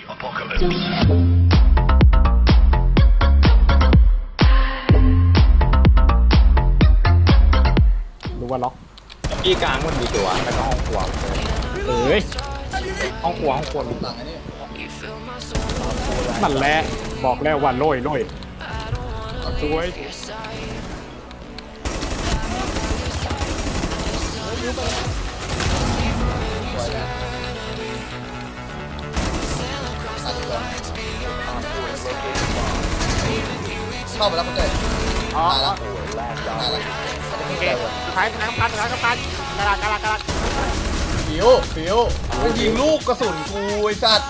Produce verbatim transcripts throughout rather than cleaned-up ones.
ดูว่าล็อกพี่กลางมันมีตัวแล้วก็ห้องครัวเอ้ยห้องครัวห้องครัวหลังอันนี้นั่นแหละบอกแล้วว่าโรยโรยสวยสวยนะตัดก่อนเข้าไปแล้วคุณเต้อ๋อตายแล้วตายแล้วโอเคสุดท้ายสุดท้ายกัปตันสุดท้ายกัปตันกระดาษกระดาษกระดาษฟิวฟิวมันยิงลูกกระสุนกูไอ้สัตว์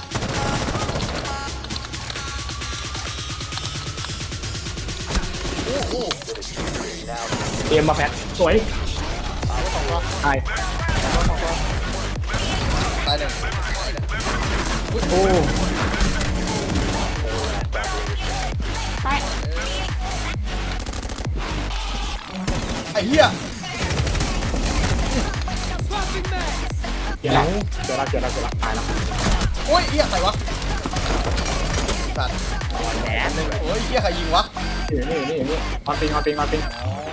โอ้โหเตรียมมาแพทสวยใช่ตายหนึ่งโอ้ไอ้เหี้ยเจอแล้วเจอแล้วเจอแล้วเจอแล้วตายแล้วโอ้ยเหี้ยใครวะสัตว์แหนหนึ่งโอ้ยเหี้ยใครยิงวะนี่นี่นี่นี่ออนปิงออนปิงออนปิงอ๋อ